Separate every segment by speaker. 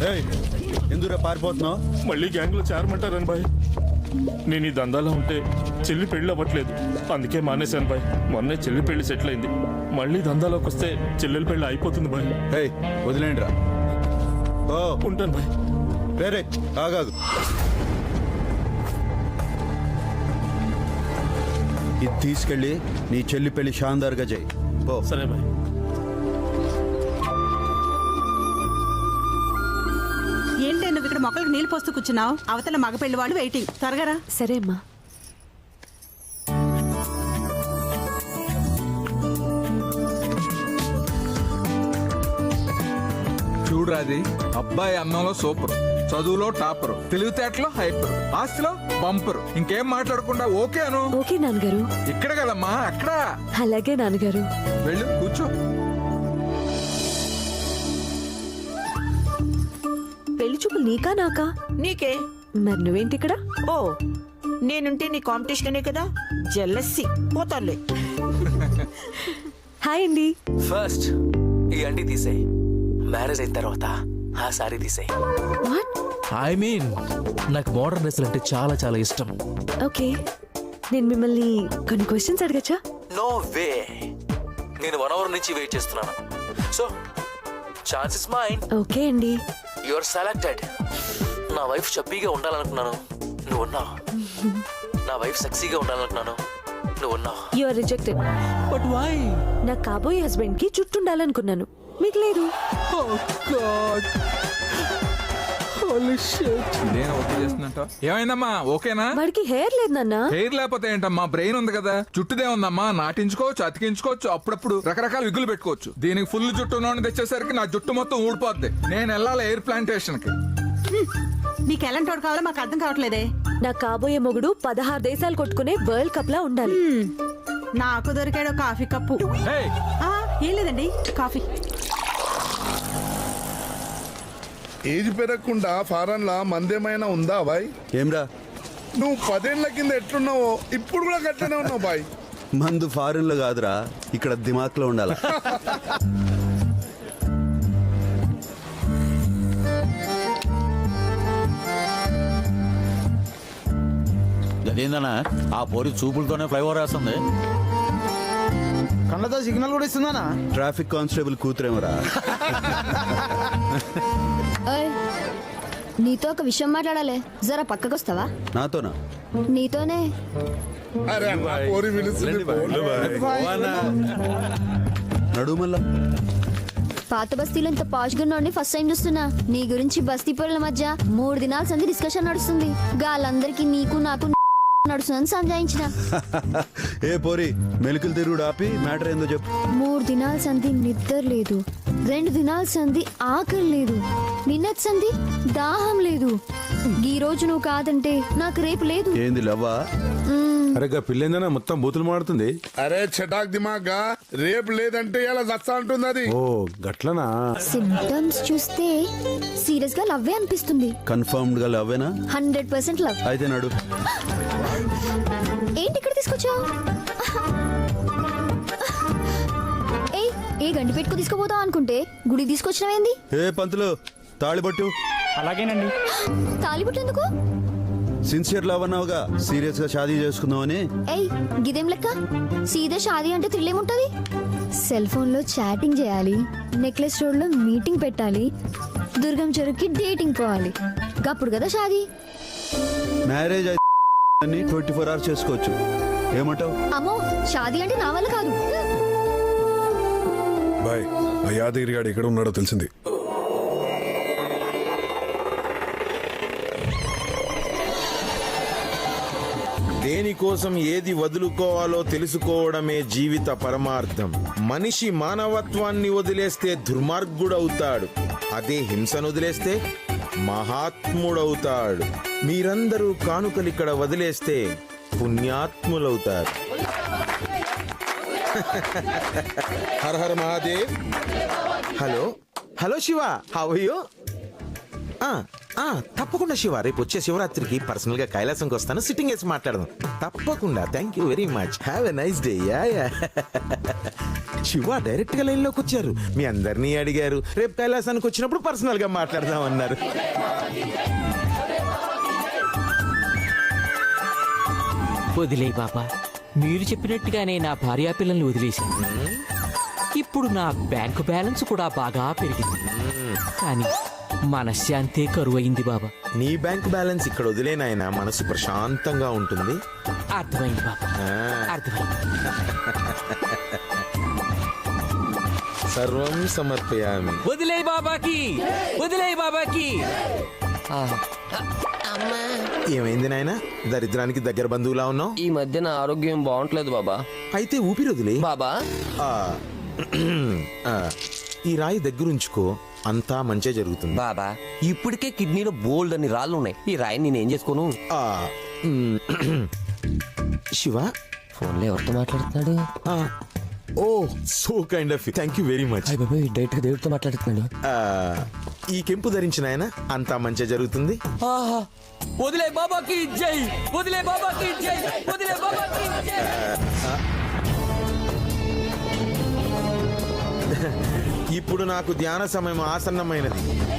Speaker 1: ఎందుకు పారిపోతున్నావు?
Speaker 2: మళ్ళీ గ్యాంగ్ లో చేరమంటారని బాయ్. నేను ఈ దందాలో ఉంటే చెల్లి పెళ్లి అవ్వట్లేదు, అందుకే మానేశాను బాయ్. మొన్నే చెల్లి పెళ్లి సెటిల్ అయింది, మళ్ళీ దందాలోకి వస్తే చెల్లెలి పెళ్లి అయిపోతుంది బాయ్.
Speaker 1: వదిలేండి రా. ఓ
Speaker 2: ఉంటాను బాయ్.
Speaker 1: వేరే ఆగాదు, ఇది తీసుకెళ్ళి నీ చెల్లి పెళ్లి షాందార్గా చేయి. ఓ
Speaker 2: సరే బాయ్.
Speaker 3: ఏంటి నువ్వు ఇక్కడ మొక్కలకు నీళ్ళు పోస్తూ కూర్చున్నావు? అవతల మగ పెళ్లి వాళ్ళు వెయిటింగ్, త్వరగా రా.
Speaker 4: సరే అమ్మా.
Speaker 5: చూడరాది, అబ్బాయి అన్నంలో సూపర్, చదువులో టాపర్, తెలివితేటలో హైపర్, ఆస్తిలో బంపర్. ఇంకేం మాట్లాడకుండా ఓకే అను.
Speaker 4: ఓకే నాన్నగారు.
Speaker 5: ఇక్కడ కదమ్మా, అక్కడ.
Speaker 4: అలాగే నాన్నగారు.
Speaker 5: వెళ్ళు కూర్చో.
Speaker 4: పెళ్లి చూపులు నీకా నాకా?
Speaker 6: నీకే.
Speaker 4: మరి నువ్వేంటి ఇక్కడ?
Speaker 6: ఓ, నేనుంటే నీ కాంపిటీషనే కదా, జెల్లస్సి పోతాలే.
Speaker 4: హాయ్ అండి.
Speaker 7: ఫస్ట్ ఈ అండి తీసేయి, మ్యారేజ్ అయిన తర్వాత ఆ సారీ తీసేయి.
Speaker 4: వాట్?
Speaker 7: ఐ మీన్ నాకు మోడర్న్ డ్రెస్సులు అంటే చాలా చాలా ఇష్టం.
Speaker 4: ఓకే, నేను మిమ్మల్ని కొన్ని క్వశ్చన్స్ అడగచ్చా?
Speaker 7: నో వే, నేను 1 hour నుంచి వెయిట్ చేస్తున్నాను. So chance is mine.
Speaker 4: Okay అండి.
Speaker 7: You are selected. నా వైఫ్ చబ్బీగా ఉండాలనుకున్నాను, నువ్వు ఉన్నావు. నా వైఫ్ సెక్సీగా ఉండాలనుకున్నాను, నువ్వు ఉన్నావు.
Speaker 4: You are rejected.
Speaker 7: But why?
Speaker 4: నా కాబోయే హస్బెండ్ కి జుట్టు ఉండాలనుకున్నాను, మీకు లేదు.
Speaker 5: నేను ఓకే చేస్తున్నట్ట. ఏమైందమ్మా, ఓకేనా?
Speaker 4: వాడికి హెయిర్ లేదు నాన్న.
Speaker 5: హెయిర్ లేకపోతే ఏంటమ్మా, బ్రెయిన్ ఉంది కదా. జుట్టుదే ఉందమ్మా, నాటించుకోవచ్చు, అతికించుకోవచ్చు, అప్పుడప్పుడు రకరకాల విగులు పెట్టుకోవచ్చు. దీనికి ఫుల్ జుట్టు ఉన్నోడిని తెచ్చేసరికి నా జుట్టు మొత్తం ఊడిపోద్ది. నేను వెళ్ళాలి ఎయిర్ ప్లాంటేషన్ కి.
Speaker 3: నీకు ఎలాంటి వాడు కావాలో మాకు అర్థం కావట్లేదే.
Speaker 4: నా కాబోయే మొగుడు 16 దేశాలు కొట్టుకునే వరల్డ్ కప్ లా ఉండాలి.
Speaker 3: నాకు దొరికాడు కాఫీ కప్పు.
Speaker 5: ఏయ్,
Speaker 3: ఏం లేదండి, కాఫీ.
Speaker 8: ఏజ్ పెరగకుండా ఫారెన్ లా మందేమైనా ఉందా బాయ్?
Speaker 1: ఏమ్రా,
Speaker 8: నువ్వు 10 ఏళ్ల కింద ఎట్లున్నావో ఇప్పుడు కూడా గట్లనే ఉన్నావు బాయ్.
Speaker 1: మందు ఫారెన్ లో కాదురా, ఇక్కడ దిమాక్లో ఉండాలి.
Speaker 9: అదేందన్నా ఆ పోరి చూపులతోనే ఫ్లైఓవర్ వేస్తుంది.
Speaker 10: కళ్ళతో సిగ్నల్ కూడా ఇస్తుందనా?
Speaker 1: Traffic constable కూతురేమరా.
Speaker 11: నీతో ఒక విషయం మాట్లాడాలి, జరా పక్కకొస్తావా?
Speaker 1: నాతోనా?
Speaker 11: నీతోనే.
Speaker 8: అరే పోరి పిలుస్తుంది.
Speaker 1: నడు మళ్ళా.
Speaker 11: పాత బస్తీలో ఇంత పాష్ గున్నోడిని ఫస్ట్ టైం చూస్తున్నా. నీ గురించి బస్తీ పొరల మధ్య 3 దినాల సంది డిస్కషన్ నడుస్తుంది. గాలందరికీ నీకు నాకు నడుస్తుందని సంజాయించిన.
Speaker 1: ఏ పోరి, మెలికలు తిరుగుడు ఆపి మ్యాటర్ ఏందో చెప్పు.
Speaker 11: 3 దినాల సంది నిద్ర లేదు, 2 దినాల సంది ఆకలి లేదు, నిన్నటి సంది దాహం లేదు. ఈ రోజు నువ్వు కాదంటే నాకు రేపు లేదు.
Speaker 1: ఏంది లవ్వా?
Speaker 12: అరే పిల్లేందనా మొత్తం బూతులు మాడుతుంది.
Speaker 8: అరే చటాక్ దిమాగ్గా, రేపు లేదంటే ఇలా దచ్చ అంటుంది అది.
Speaker 12: ఓ గట్లనా?
Speaker 11: సింప్టమ్స్ చూస్తే సీరియస్ గా లవ్వే అనిపిస్తుంది.
Speaker 1: కన్ఫర్మ్డ్ గా లవ్వేనా?
Speaker 11: 100% లవ్.
Speaker 1: అయితే నడు.
Speaker 11: ఏంటి ఇక్కడ తీసుకొచ్చావు? ఏయ్, ఏ గండి పెట్టుకు తీసుకుపోతావు అనుకుంటే గుడి తీసుకొచ్చినవేంది?
Speaker 1: ఏ పంతులు, తాళిబట్టు.
Speaker 10: అలాగేనండి.
Speaker 11: తాలిబుట్టు ఎందుకు?
Speaker 1: సిన్సియర్ లవ్ అన్నావుగా, సీరియస్ గా షాదీ చేసుకుందామని.
Speaker 11: ఏయ్, గిదేం లెక్క? సీదా షాదీ అంటే థ్రిల్ ఏముంటది? సెల్ ఫోన్ లో చాటింగ్ చేయాలి, నెక్లెస్ రోడ్ లో మీటింగ్ పెట్టాలి, దుర్గం చెరువుకి డేటింగ్ పోవాలి, గప్పుడు కదా షాదీ.
Speaker 1: మ్యారేజ్ అయితే 24 hours చేసుకోవచ్చు. ఏమంటావు?
Speaker 11: అమ్మో, షాదీ అంటే నా వల్ల కాదు.
Speaker 12: బాయ్, ఆ యాదగిరి గాడు ఎక్కడ ఉన్నాడో తెలిసింది.
Speaker 13: దేనికోసం ఏది వదులుకోవాలో తెలుసుకోవడమే జీవిత పరమార్థం. మనిషి మానవత్వాన్ని వదిలేస్తే దుర్మార్గుడవుతాడు, అదే హింసను వదిలేస్తే మహాత్ముడవుతాడు. మీరందరూ కానుకలిక్కడ వదిలేస్తే పుణ్యాత్ములవుతారు. Hara Hara Mahadev. Hello hello Shiva, how are you? తప్పకుండా శివ, రేపు వచ్చే శివరాత్రికి పర్సనల్ గా కైలాసంకి వస్తాను, సిట్టింగ్ వేసి మాట్లాడదాం. తప్పకుండా. Thank you very much. Have a nice day. Shiva direct గా లైన్ లోకి వచ్చారు. మీ అందరినీ అడిగారు. రేపు కైలాసానికి వచ్చినప్పుడు పర్సనల్ గా మాట్లాడదాం అన్నారు.
Speaker 7: వదిలే బాబా, మీరు చెప్పినట్టుగానే నా భార్యా పిల్లల్ని వదిలేశాను. ఇప్పుడు నా బ్యాంకు బ్యాలెన్స్ కూడా బాగా పెరిగింది, కానీ మనశ్శాంతే కరువైంది బాబా.
Speaker 13: నీ బ్యాంక్ బ్యాలెన్స్ ఇక్కడ వదిలేనాయన మనసు ప్రశాంతంగా ఉంటుంది.
Speaker 7: అర్థమైంది బాబా, అర్థమైంది.
Speaker 13: సర్వం సమర్పయామి.
Speaker 7: వదిలే బాబాకి, వదిలే బాబాకి.
Speaker 13: ఏమైంది నాయన, దరిద్రానికి దగ్గర బంధువులా ఉన్నావు?
Speaker 7: ఈ మధ్య నా ఆరోగ్యం బాగుంటలేదు బాబా.
Speaker 13: అయితే ఊపిరి వదిలే.
Speaker 7: బాబా
Speaker 13: ఆ, ఈ రాయి దగ్గరుంచుకో, అంతా మంచి జరుగుతుంది.
Speaker 7: బాబా, ఇప్పటికే కిడ్నీలో బోల్డ్ అని రాళ్ళు ఉన్నాయి. ఈ రాయిని నేనేం చేసుకోను?
Speaker 13: ఆ, శివ
Speaker 7: ఫోన్లో ఎవరితో మాట్లాడుతున్నాడు?
Speaker 13: Oh so kind of thank you very much.
Speaker 7: Direct గా దేవుడితో మాట్లాడుతున్నాడు.
Speaker 13: ఈ కెంపు ధరించిన ఆయన అంతా మంచి జరుగుతుంది.
Speaker 7: ఆహా, వదిలే బాబాకి జై, వదిలే బాబాకి జై, వదిలే బాబాకి జై.
Speaker 13: ఇప్పుడు నాకు ధ్యాన సమయం ఆసన్నమైనది.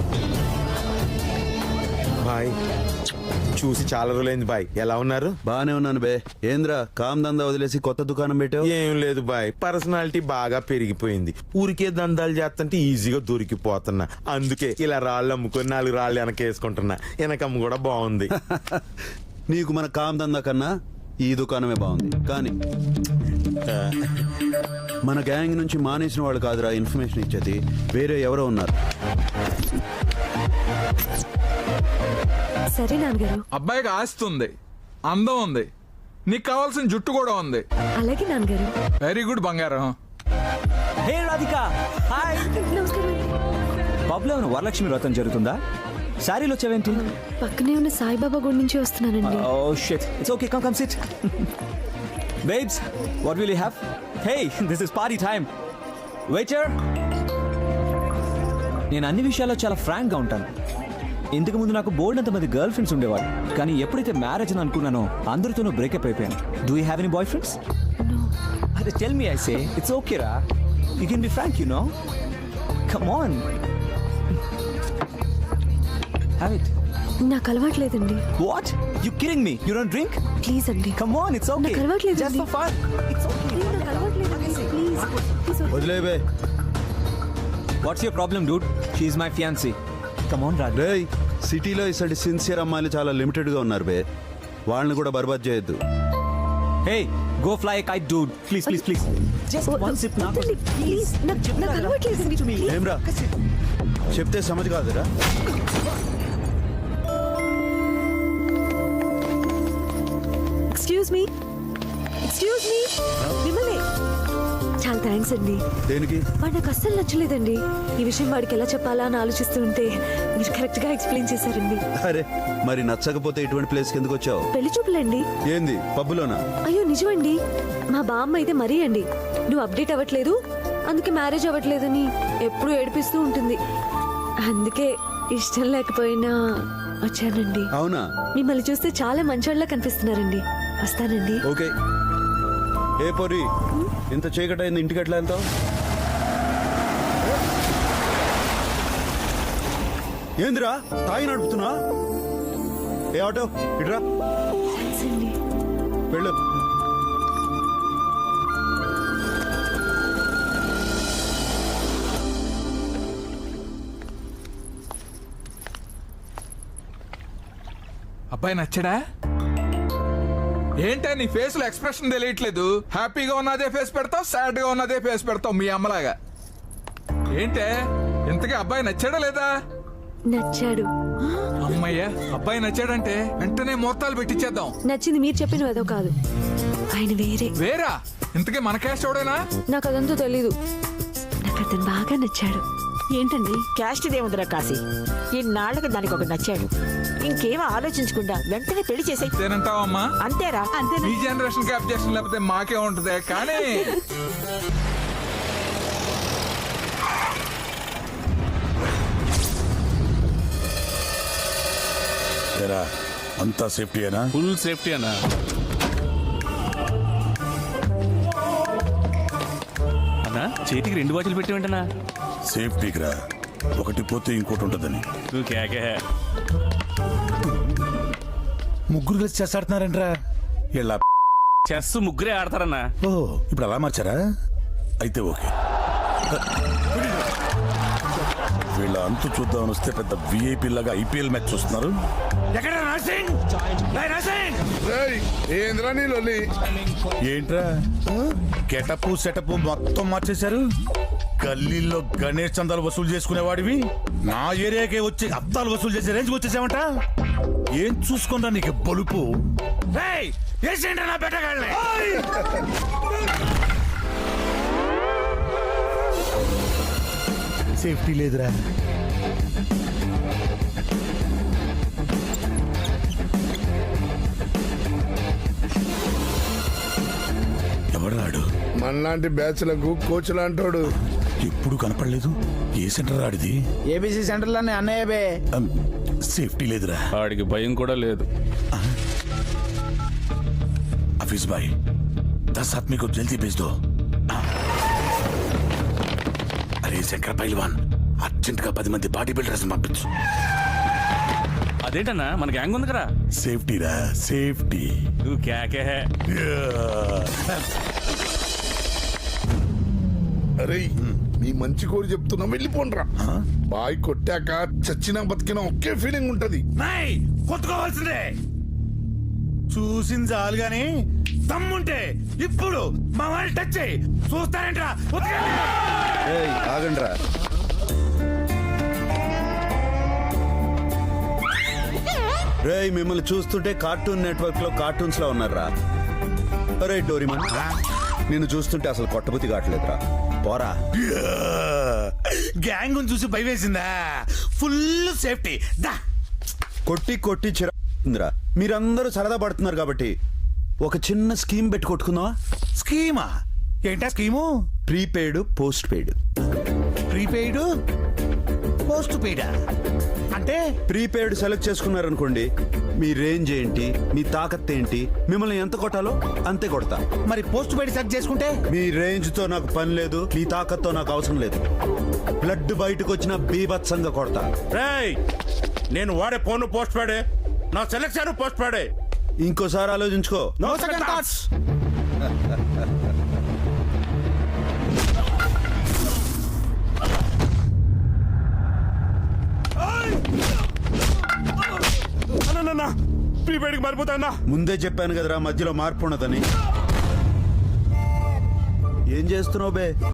Speaker 13: బాయ్, చూసి చాలా రోజులైంది బాయ్. ఎలా ఉన్నారు?
Speaker 1: బానే ఉన్నాను బే. ఏంద్రా కామ్ దందా వదిలేసి కొత్త దుకాణం పెట్టావు?
Speaker 13: ఏం లేదు బాయ్, పర్సనాలిటీ బాగా పెరిగిపోయింది. ఊరికే దందాలు చేస్తుంటే ఈజీగా దొరికిపోతున్నా. అందుకే ఇలా రాళ్ళు అమ్ముకొని 4 రాళ్ళు వెనకేసుకుంటున్నా. వెనకమ్మ కూడా బాగుంది.
Speaker 1: నీకు మన కామ్ దందా కన్నా ఈ దుకాణమే బాగుంది. కానీ మన గ్యాంగ్ నుంచి మానేసిన వాళ్ళు కాదురా ఇన్ఫర్మేషన్ ఇచ్చేది, వేరే ఎవరో ఉన్నారు.
Speaker 4: సరే నాన్నగారు.
Speaker 5: అబ్బాయికి ఆస్తి ఉంది, అందం ఉంది, నీకు కావాల్సిన జుట్టు కూడా ఉంది.
Speaker 4: అలాగే నాన్నగారు.
Speaker 5: వెరీ గుడ్ బంగారం.
Speaker 10: Hey Radhika, hi.
Speaker 4: నమస్కారం.
Speaker 10: పబ్లో ఏమైనా వరలక్ష్మి వ్రతం జరుగుతుందా? శారీలో వచ్చావేంటి?
Speaker 4: పక్కనే ఉన్న సాయిబాబా గుడి నుంచి వస్తున్నానండి.
Speaker 10: Oh shit, it's okay, come sit. Babes, what will you have? Hey, this is party time. Waiter. నేను అన్ని విషయాల్లో చాలా ఫ్రాంక్ గా ఉంటాను. ఇంతకు ముందు నాకు బోల్డ్ అంత మంది గర్ల్ ఫ్రెండ్స్ ఉండేవారు, కానీ ఎప్పుడైతే మ్యారేజ్ అని అనుకున్నానో అందరితోనూ బ్రేకప్ అయిపోయాను. Do you have any boy friends? అదే tell me, I say it's okay రా, you can be frank, you know. Come on, have it.
Speaker 4: నాకు అలవాట్లేదండి.
Speaker 10: What, you kidding me? You don't drink?
Speaker 4: Please అండి.
Speaker 10: Come on, it's okay.
Speaker 4: నాకు అలవాట్లేదండి.
Speaker 10: Just for fun, it's okay.
Speaker 4: నాకు అలవాట్లేదండి. Please
Speaker 1: వదిలే బే.
Speaker 10: What's your problem dude? She is my fiancee. Come on Raj.
Speaker 1: రేయ్, సిటీలో ఇసటి సిన్సియర్ అమ్మాయిలు చాలా లిమిటెడ్ గా ఉన్నారు బే. వాళ్ళని కూడా బర్బాద్ చేయొద్దు.
Speaker 10: Hey, go fly a kite, dude. Please. Just one sip now.
Speaker 4: Please, నాకు అలవాట్లేదండి.
Speaker 1: ఏమ్రా చెప్తే సమజ్ కాదురా.
Speaker 4: ఎక్స్క్యూజ్ మీ, మిమ్మల్ని. చాలా థ్యాంక్స్ అండి.
Speaker 1: దేనికి?
Speaker 4: వాడు నాకు అస్సలు నచ్చలేదండి. ఈ విషయం వాడికి ఎలా చెప్పాలా అని ఆలోచిస్తూ ఉంటే మీరు కరెక్ట్ గా ఎక్స్ప్లెయిన్ చేశారండి.
Speaker 1: అరే మరి నచ్చకపోతే ఇటువంటి ప్లేస్ కి ఎందుకు వచ్చావు?
Speaker 4: పెళ్లి చూపులండి.
Speaker 1: ఏంది పబ్బులోనా?
Speaker 4: అయ్యో నిజమండి. మా బామ్మ అయితే మరీ అండి, నువ్వు అప్డేట్ అవ్వట్లేదు, అందుకే మ్యారేజ్ అవ్వట్లేదని ఎప్పుడు ఏడిపిస్తూ ఉంటుంది. అందుకే ఇష్టం లేకపోయినా వచ్చానండి.
Speaker 1: అవునా?
Speaker 4: మిమ్మల్ని చూస్తే చాలా మంచోళ్ళ కనిపిస్తున్నారండి. వస్తానండి.
Speaker 1: ఓకే. ఏ పొరి, ఇంత చీకటి అయింది, ఇంటికి ఎట్లా వెళ్తావు? ఏందిరా తాగి నడుపుతున్నా? ఏ ఆటో ఇట్రా,
Speaker 4: థాంక్స్ అండి.
Speaker 1: వెళ్ళు.
Speaker 5: అబ్బాయి నచ్చడా? ఏంటా నీ ఫేస్ లో ఎక్స్ప్రెషన్ తెలియట్లేదు? హ్యాపీగా ఉన్నదే ఫేస్ పెడతావు, సాడ్ గా ఉన్నదే ఫేస్ పెడతావు మీ అమ్మలాగా. ఏంటే ఇంతకీ అబ్బాయి నచ్చాడా లేదా?
Speaker 4: నచ్చాడు.
Speaker 5: అమ్మయ్య, అబ్బాయి నచ్చాడంటే వెంటనే ముహూర్తాలు పెట్టించేద్దాం.
Speaker 4: నచ్చింది మీరు చెప్పిన ఏదో కాదు, ఆయన వేరే.
Speaker 5: వేరా? ఇంతకీ మన క్యాస్ట్ ఎవడేనా?
Speaker 4: నాకు అదంతా తెలీదు. నాకు అతను బాగా నచ్చాడు.
Speaker 3: ఏంటండి?
Speaker 6: క్యాస్ట్ ఇదేముందిరా కాశీ, ఇన్నాళ్ళకి దానికి ఒక నచ్చాడు. ఇంకేం ఆలోచించకుండా వెంటనే పెళ్లి చేసే.
Speaker 5: అంతేనంటావమ్మా?
Speaker 6: అంతేరా.
Speaker 5: ఈ జనరేషన్ కి అబ్జెక్షన్ లేకపోతే మాకే ఉంటది. కానీ
Speaker 12: అంతా సేఫ్టీయేనా?
Speaker 2: ఫుల్ సేఫ్టీ అన్నా. అన్నా
Speaker 10: చేతికి 2 వాచ్లు పెట్టి వెంటనా
Speaker 12: సేఫ్టీకి రా, ఒకటి పోతే ఇంకోటి ఉంటుందని.
Speaker 10: నువ్వు కేకే.
Speaker 12: ముగ్గురు కలిసి చెస్ ఆడుతున్నారంట్రా. ఇలా
Speaker 10: చెస్ ముగ్గురే ఆడతారన్నా.
Speaker 12: ఓ ఇప్పుడు అలా మార్చారా? అయితే ఓకే. వీళ్ళ అంతు చూద్దామని వస్తే పెద్ద విఐపి లాగా ఐపీఎల్ మ్యాచ్ చూస్తున్నారు. ఎక్కడ నర్సింగ్?
Speaker 8: రేయ్, ఏంద్రా నీ లొల్లి?
Speaker 12: ఏంట్రా గెటప్ సెటప్ మొత్తం మార్చేశారు. గల్లీల్లో గణేష్ చందాలు వసూలు చేసుకునేవాడివి నా ఏరియాకే వచ్చి అద్దాలు వసూలు చేసే రేంజ్ వచ్చేసావంట. ఏం చూసుకుంటా నీకు బలుపు? నా బెట్టగాళ్ళని సేఫ్టీ లేదురా. ఎవడాడు?
Speaker 8: మనలాంటి బ్యాచ్లకు కోచ్ లాంటోడు.
Speaker 12: ఎప్పుడు కనపడలేదు. ఏ సెంటర్ ఆడిది?
Speaker 10: ఏబిసి సెంటర్ లోనే అన్నయ్య బే.
Speaker 12: సేఫ్టీ లేదురా.
Speaker 10: వాడికి భయం కూడా లేదు.
Speaker 12: हफीज भाई 10 आदमी को जल्दी भेज दो. अरे शंकर पहलवान अर्जेंट గా 10 మంది బాడీ బిల్డర్స్ పంపించు.
Speaker 10: అదేంటన్నా మన గ్యాంగ్ ఉంది కదా.
Speaker 12: సేఫ్టీ రా, సేఫ్టీ.
Speaker 10: నువ్వు కేకే.
Speaker 8: అరే మీ మంచి కోరి చెప్తున్నా, వెళ్ళిపోండ్రా. బాయ్ కొట్టాక చచ్చినా బతికినా ఒకే ఫీలింగ్ ఉంటది.
Speaker 12: కొట్టుకోవాల్సిందే. చూసింది చాలు గాని దమ్ముంటే ఇప్పుడు మా వాళ్ళు టచ్ చేయి. చూస్తారేంట్రా?
Speaker 1: ఆగండ్రా. రేయ్, మిమ్మల్ని చూస్తుంటే కార్టూన్ నెట్వర్క్ లో కార్టూన్స్ లో ఉన్నారా? అరే డోరిమన్, నిన్ను చూస్తుంటే అసలు కొట్టబుద్ధి కావట్లేదురా. పోరా.
Speaker 12: గ్యాంగ్ చూసి భయం వేసిందా? ఫుల్ సేఫ్టీ దా.
Speaker 1: కొట్టి కొట్టి చిరా. మీరందరూ సరదా పడుతున్నారు కాబట్టి ఒక చిన్న స్కీమ్ పెట్టి కొట్టుకుందామా?
Speaker 12: స్కీమా? ఏంటా scheme?
Speaker 1: Prepaid postpaid.
Speaker 12: Prepaid post పెయిడా అంటే?
Speaker 1: ప్రీపెయిడ్ సెలెక్ట్ చేసుకున్నారనుకోండి, మీ రేంజ్ ఏంటి, మీ తాకత్ ఏంటి, మిమ్మల్ని ఎంత కొట్టాలో అంతే కొడతా.
Speaker 12: మరి పోస్ట్ పెయిడ్ సెలెక్ట్ చేసుకుంటే?
Speaker 1: మీ రేంజ్ తో నాకు పని లేదు, మీ తాకత్తో నాకు అవసరం లేదు. బ్లడ్ బయటకు వచ్చిన బీభత్సంగా కొడతా.
Speaker 13: నేను వాడే ఫోన్ పోస్ట్ పాడే, నా సెలెక్షన్ పోస్ట్ పాడే.
Speaker 1: ఇంకోసారి ఆలోచించుకో.
Speaker 12: No second thoughts.
Speaker 13: ప్రీపెయిడ్కి మారిపోతా.
Speaker 1: ముందే చెప్పాను కదరా, మధ్యలో మార్పు ఉన్నదని. ఏం చేస్తున్నావు బే?